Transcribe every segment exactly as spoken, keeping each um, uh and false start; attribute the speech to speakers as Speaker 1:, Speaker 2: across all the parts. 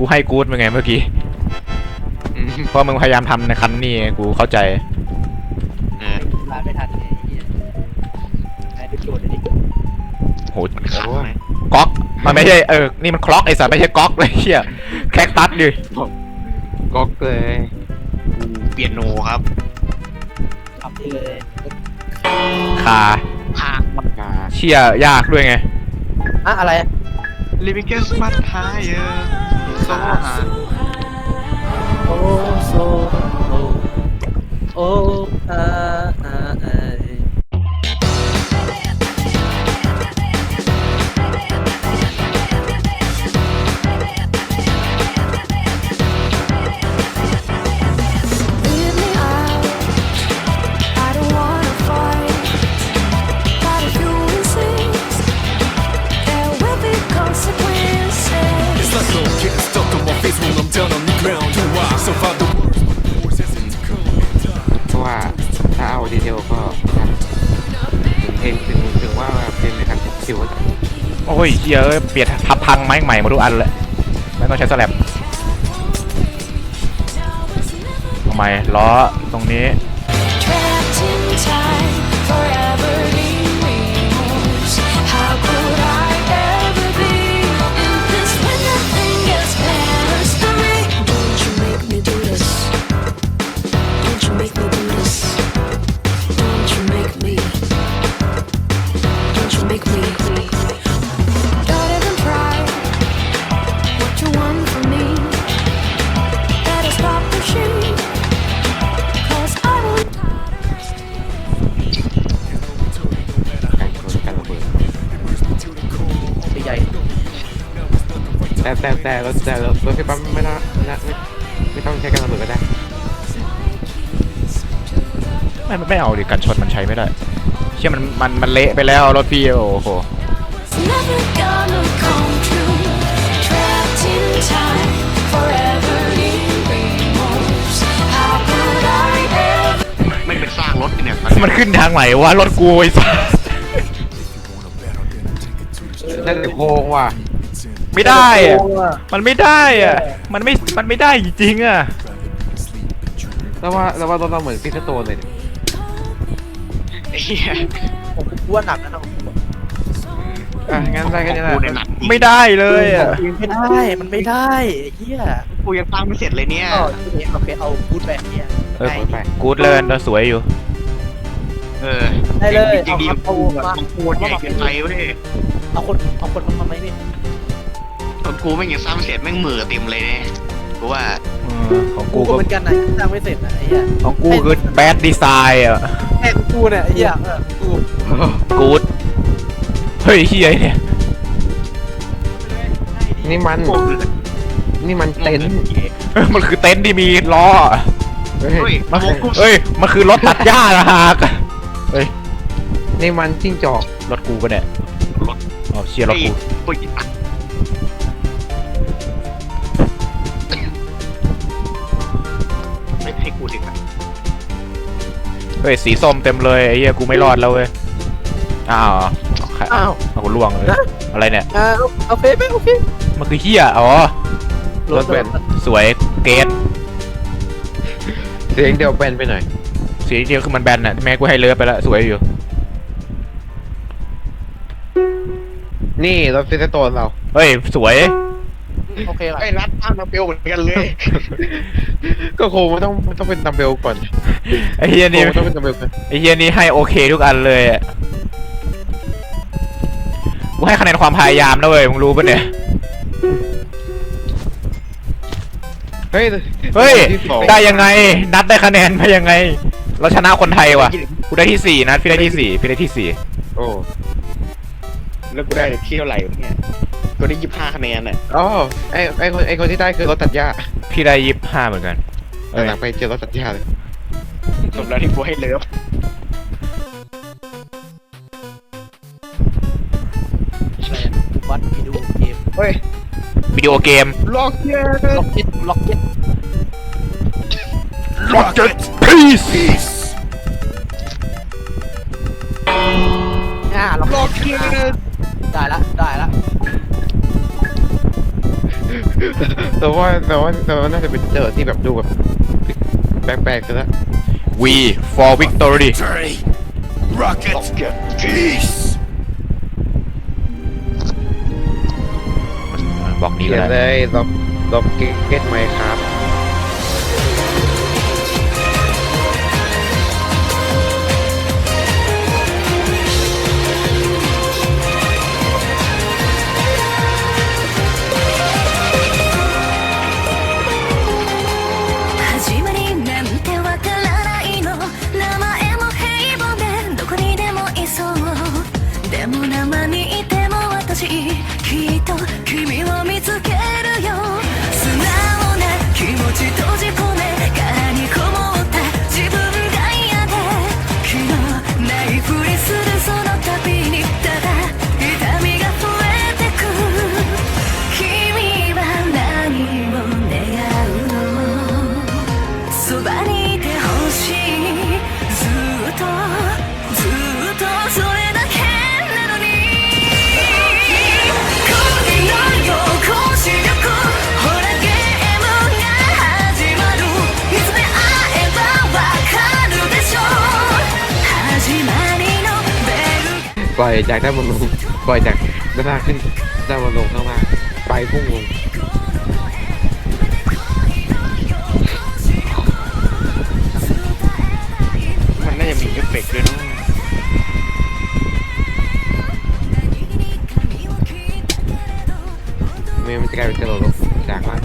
Speaker 1: กูให้กู๊ดมึงไงเมื่อกี้เพราะมึงพยายามทำในคันนี้กูเข้าใจ
Speaker 2: ลาไม่ทันเลยไอ้ที่โดนเลยดิ
Speaker 1: โหก๊อกมันไม่ใช่เออนี่มันคล็อกไอ้สัตว์ไม่ใช่ก๊อกเลยเฮียแคคตัสดิ
Speaker 3: ก๊อกเลย
Speaker 4: เปียโนครับ
Speaker 2: ทำได้เลย
Speaker 1: คา
Speaker 4: คา
Speaker 3: คา
Speaker 1: เชี่ยยากด้วยไง
Speaker 2: อะอะไร
Speaker 4: Living Guess Much Higher So Hard
Speaker 2: โอ้โซโอ้อาอาไอ
Speaker 3: เพราะว่าถ้าเอาดีเทลก็ถึงเพลงถึงถึงว่าเพลงในการคิว
Speaker 1: โอ้ยเยอะเปลี่ยนทับพังไม้ใหม่มาทุกอันเลยไม่ต้องใช้สแลบทำไมล้อตรงนี้
Speaker 3: แต่แต่แต่รถแต่รถรถไฟฟ้าไม่น่าไม่ไม่ต้องใช้การระเบิดก็ได้
Speaker 1: ไม่ไม่เอาดิกันชนมันใช้ไม่ได้เชื่อมันมันมันเละไปแล้วรถพี่โอ้โห
Speaker 4: ไม่เป็นสร้างรถเนี่ย
Speaker 1: มันขึ้นทางไหนวะรถกูไอ้สัส
Speaker 3: นั่นโค้งว่ะ
Speaker 1: ไม่ได้อะมันไม่ได้อะมันไม่มันไม่ได้จริงๆอะ
Speaker 3: แล้วว่าแล้วว่ารถเราเหมือนพิซซ่าโตนเลย
Speaker 2: ผมกลัวหนักนะน้อง
Speaker 3: อ่ะงั้นได้แค่นี้แหละ
Speaker 1: ไม่ได้เลยอะ
Speaker 2: ไม่ได้มันไม่ได้เฮีย
Speaker 4: กูยังตั้งไม่เสร็จเลยเนี่ย
Speaker 2: ก็ทีนี้เราไปเอากู๊ดแบบเนี่ย
Speaker 1: เออกู๊ดเลยเราสวยอยู่
Speaker 4: เออ
Speaker 2: ได้เลย
Speaker 4: จริงดีกูมากูใหญ่เกินไปเว้ย
Speaker 2: เอาคนเอาคนมาทำไมนี่
Speaker 4: ตอนกูไม่ยังสร้างไม่เสร็จแม่งมือเต็มเลยเนี่ยกูว่า
Speaker 1: ของ
Speaker 2: กูก็เหมือนกันนะสร้างไม่เสร็จนะไอ้เหี้ย
Speaker 1: ของกูคือแบดดีไซน์อ่ะ
Speaker 2: แค่กูเนี่ยไอ้เหี้ยกู
Speaker 1: กู๊ดเฮ้ยเฮียเนี่ย
Speaker 3: นี่มันนี่มันเต็นท์
Speaker 1: มันคือเต็นท์ที่มีล้อ
Speaker 4: เฮ้ย
Speaker 1: เฮ้ยมันคือรถตัดหญ้านะฮะเฮ้ย
Speaker 3: นี่มันจิ้งจอก
Speaker 1: รถกูปะเนี่ย
Speaker 4: รถ
Speaker 1: อ๋อเชียร์รถกู
Speaker 4: ไม่ให้กูดิครับ
Speaker 1: เฮ้ยสีส้มเต็มเลยไอ้เหี้ยกูไม่รอดแล้วเว้ยอ้าว
Speaker 2: อ้าว
Speaker 1: เอากูล่วงเลยอะไรเนี่ย
Speaker 2: อ่าโอเคไหมโอเค
Speaker 1: มันคือเหี้ยอ๋อรถแบบสวยเกต
Speaker 3: เสียงเดียวแบนไปหน่อย
Speaker 1: เสียงเดียวคือมันแบนน่ะแม่กูให้เลิฟไปแล้วสวยอยู่
Speaker 3: นี่รถฟิสโตนเรา
Speaker 1: เฮ้ยสวย
Speaker 2: โอเค
Speaker 4: ไอ้รัดตั้งดัมเบลเหมือนกันเลย
Speaker 3: ก็คงมันต้องมันต้องเป็นดัมเบลก่อน
Speaker 1: ไอ้เฮียนี่
Speaker 3: ต้องเป็นดัมเบลก่อน
Speaker 1: ไอ้เฮียนี่ให้โอเคทุกอันเลยกูให้คะแนนความพยายามนะเว้ยมึงรู้ปะเนี่ย
Speaker 3: เฮ้ย
Speaker 1: เฮ้ยได้ยังไงนัดได้คะแนนไปยังไงเราชนะคนไทยว่ะกูได้ที่สี่นัดพี่ได้ที่สี่พี่ได้ที่สี่
Speaker 3: โอ้
Speaker 4: แล้วกูได้ที่เท่าไหร่เนี่ยกูได้ยี่สิบห้าคะแนนน่ะ
Speaker 3: อ๋อไอไอคนไอคนที่ได้คือรถตัดหญ้า
Speaker 1: พี่ได้ยี่สิบห้าเหมือนกัน
Speaker 3: หลังไปเจอรถตัดหญ้าเลย
Speaker 4: จบแล้วที่กูให้เลิฟ
Speaker 2: กูวัดวิดีโอเกม
Speaker 4: เฮ้ย
Speaker 1: วิดีโอเกม
Speaker 4: ล็อกเก็ต
Speaker 2: ล็อกเก็ตล็อกเก็ต
Speaker 1: ล็อกเก็ตพีซ
Speaker 2: อ่าล็อกเก็ตได้ละได้ละ
Speaker 3: แต่ว่าแต่ว่าแต่ว่าน่าจะเป็นโจทย์ที่แบบดูแบบแปลกๆซะแล้ว
Speaker 1: V for victory
Speaker 5: Victory! Rocket! Peace!
Speaker 1: บอกนี้
Speaker 3: เขี
Speaker 1: ก็
Speaker 3: ยนเล
Speaker 1: ได้
Speaker 3: ยล็อกล็อกเก็ตไหมครับ
Speaker 6: 始まりなんてわからないの名前も平凡でどこにでもいそうでも生にいても私きっと君を見つけるよ素直な気持ち閉じ込め殻にこもった自分が嫌で気のないふりするその度にただ痛みが増えてく君は何を願うのそばにいてほしいずっとずっとそれだけなのに恋のよこし力ほらゲームが始まるいつで会えばわかるでしょ始まりのベル
Speaker 3: ปล่อยจากด้านบนลงปล่อยจากด้านล่างขึ้นด้านบนลงข้างล่างไปพุ่งลง
Speaker 4: มันน่าจะมีเอฟเฟกต์ด้วยเนาะ
Speaker 3: ไม่มันจะกลายเป็นกระโดดลงจากล่าง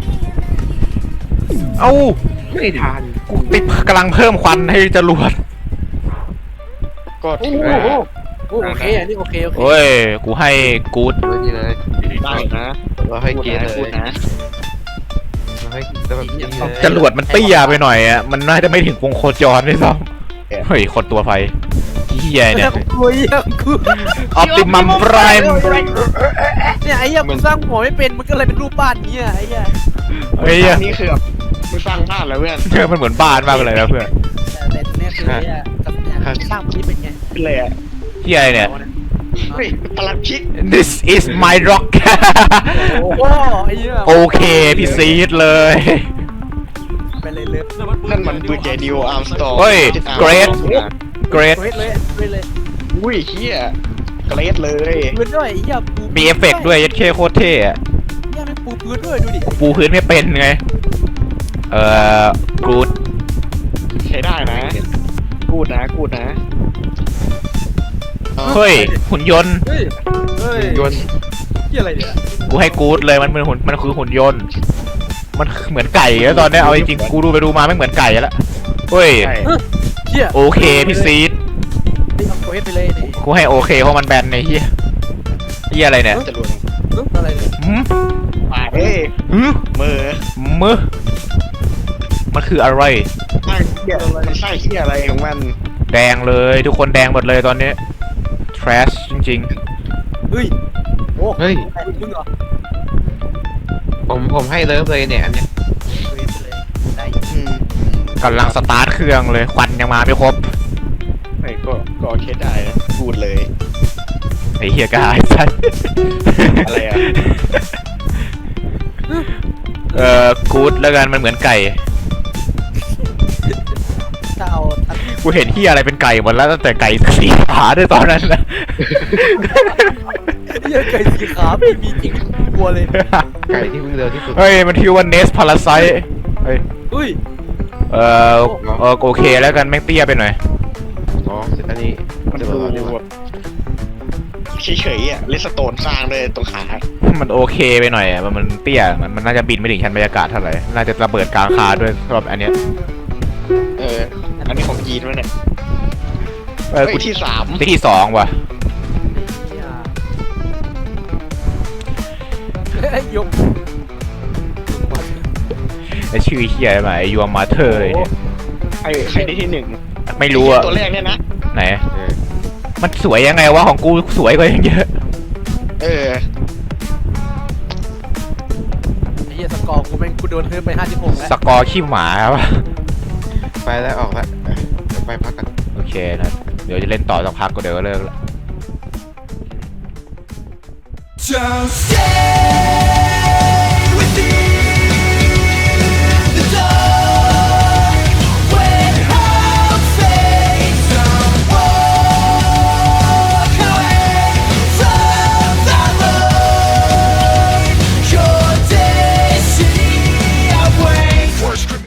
Speaker 1: เอ้า
Speaker 3: ไม่ทัน
Speaker 1: กูติดกำลังเพิ่มควันให้จรวด
Speaker 4: ก็
Speaker 2: โอ้
Speaker 4: ถือ
Speaker 2: โห
Speaker 4: ว่า
Speaker 2: โอ้โหโอเคอันนี้โอเคโอเค
Speaker 1: เฮ้ย กูให้กูด
Speaker 3: เลยนี่เลย
Speaker 4: ได้นะ
Speaker 3: เราให้
Speaker 4: พูด
Speaker 3: เกียรติ
Speaker 4: นะ
Speaker 3: เล
Speaker 4: พูด
Speaker 3: ย
Speaker 4: นะ
Speaker 3: เราให้แล้วแบบนี้เลย
Speaker 1: จรวดมันเตี้ยไปหน่อยอ่ะ มันน่าจะไม่ถึงวงโคจรด้วยซ้ำเฮ้ย คนตัวไฟเฮียเนี่ย
Speaker 2: กูเยี่ยมกู
Speaker 1: ออปติมัมไพรม์
Speaker 2: เนี่ยไอ้เหี้ยมึงสร้างหัวไม่เป็นมันก็เลยเป็นรูปบ้านเนี้ยไอ้เหี้ย
Speaker 1: เฮ้ย
Speaker 4: นี่คือแบบมึงสร้างบ้านแล้วเพื่อน
Speaker 1: เออมันเหมือนบ้านมากเลยนะเพื่อน
Speaker 2: แต่แต่เนี่ยคือไอ้เหี้ยกับเนี่ยสร้างมันนี่เป็นไง
Speaker 4: เป็นเลยอ่ะ
Speaker 1: เฮียอะไรเนี่ย
Speaker 4: เฮ้ยปลัดชิก
Speaker 1: This is my rock
Speaker 2: โอ้โหไอ้เหี้ย
Speaker 1: โอเค พี่ซีดเลย
Speaker 2: ไปเลยเลย
Speaker 4: นั่นมันปืนใหญ่ดิโออาร์มสตอร์
Speaker 1: เฮ้ย Great Great
Speaker 2: เว้ยเลยเว้ยเลย
Speaker 4: อุ้ยเฮียเกรดเลย
Speaker 2: ปืนด้วยไอ้เหี้ยปู
Speaker 1: มีเอฟเฟกต์ด้วยยัดเคโคตรเท่อะ
Speaker 2: เหี้ยไม่ปูปืนด้วยดูดิ
Speaker 1: ปูพื้นไม่เป็นไง เอ่อกูด
Speaker 4: ใช้ได้นะกูดนะกูดนะ
Speaker 1: เฮ้ย หุ่นยนต์
Speaker 2: เฮ้ยเฮ้ย
Speaker 3: ยนต์
Speaker 2: เหี้ยอะไรเนี่ย
Speaker 1: กูให้กูดเลยมันเป็นหุ่นมันคือหุ่นยนต์ มันเหมือนไก่แล้วตอนเนี้ยเอาจริงๆกูดูไปดูมาไม่เหมือนไก่แล้วเฮ้ย
Speaker 4: ใช่
Speaker 2: เหี้ย
Speaker 1: โอเคพี่ซีด
Speaker 2: นี่เอาเควสไปเลยนี่
Speaker 1: กูให้โอเคเพราะมันแบนในเฮียเฮียอะไรเนี่ย
Speaker 4: จะรวม
Speaker 2: เอ้ยอะไรเนี่ย
Speaker 1: หืม
Speaker 4: ป่าเอ้ย
Speaker 1: หืม
Speaker 4: มือ
Speaker 1: มือมันคืออะไร
Speaker 4: สร้างเฮียมันสร้างเฮียอะไรของมัน
Speaker 1: แดงเลยทุกคนแดงหมดเลยตอนนี้ trash จริง
Speaker 2: เฮ้ยโอ้
Speaker 3: เฮ้ย
Speaker 2: มึงเหรอ
Speaker 3: ผมผมให้เลิฟเลยเนี่ยอันเนี้ย
Speaker 2: เควสไปเลยได้
Speaker 4: อืม
Speaker 1: ๆกำลังสตาร์ทเครื่องเลยควันยังมาไม่ครบ
Speaker 4: ไอ้ก็ก็เคสได้นะพูดเลย
Speaker 1: ไอ้เฮียกายสัส
Speaker 4: อะไรอะ
Speaker 1: เอ่อกูดแล้วกันมันเหมือนไก่
Speaker 2: ถ้าเอาทัน
Speaker 1: กูเห็นเฮียอะไรเป็นไก่หมดแล้วตั้งแต่ไก่สีขาด้วยตอนนั้นนะ
Speaker 2: เหี้ยไก่สีขาไม่มีจริงกลัวเลย
Speaker 3: ไก่ที่วิ่งเร็วที่สุด
Speaker 1: เฮ้ยมันชื่อว่าเนสพาราไซเฮ้ย
Speaker 2: เฮ้ย
Speaker 1: เอ่อเออโอเคแล้วกันแม่งเตี้ยไปหน่อย
Speaker 3: อ๋ออันนี้
Speaker 4: มัน
Speaker 3: จะ
Speaker 4: ดู
Speaker 3: บอกว่า
Speaker 4: แบบเฉยๆอ่ะเลสโตนสร้างเลยตรงขา
Speaker 1: มันโอเคไปหน่อยอ่ะมันมันเตี้ยมันมันน่าจะบินไม่ถึงชั้นบรรยากาศเท่าไหร่น่าจะระเบิดกลางคาด้วยสำหรับอันเนี้ย
Speaker 4: เอออันนี้ของยีนวะเนี่ย
Speaker 1: เออ
Speaker 4: เฮ้
Speaker 1: กู
Speaker 4: ยที่สาม
Speaker 1: ที่ที่สองว่ะ
Speaker 2: เฮ้ยยก
Speaker 1: ไอชื่อเฮียอะไรมาไอยูมาเธอร์เนี่ย
Speaker 4: ใครใครได้ที่หนึ่ง
Speaker 1: ไม่รู้อ่ะ
Speaker 4: ตัวแรกเนี่ยนะ
Speaker 1: ไหน
Speaker 3: เออ
Speaker 1: มันสวยยังไงวะของกูสวยกว่าอย่างเยอะ
Speaker 4: เออ
Speaker 2: ไอ้เหี้ยสกอร์กูแม่งกูโดนเพิ่มไปห้าสิบหกแล้ว
Speaker 1: สกอร์ขี้หมาครับ
Speaker 3: ไปแล้วออกแล้วเออเดี๋ยวไปพักกัน
Speaker 1: โอเคนะเดี๋ยวจะเล่นต่อสักพักก็เดี๋ยวก็เลิกละ
Speaker 5: Don't stay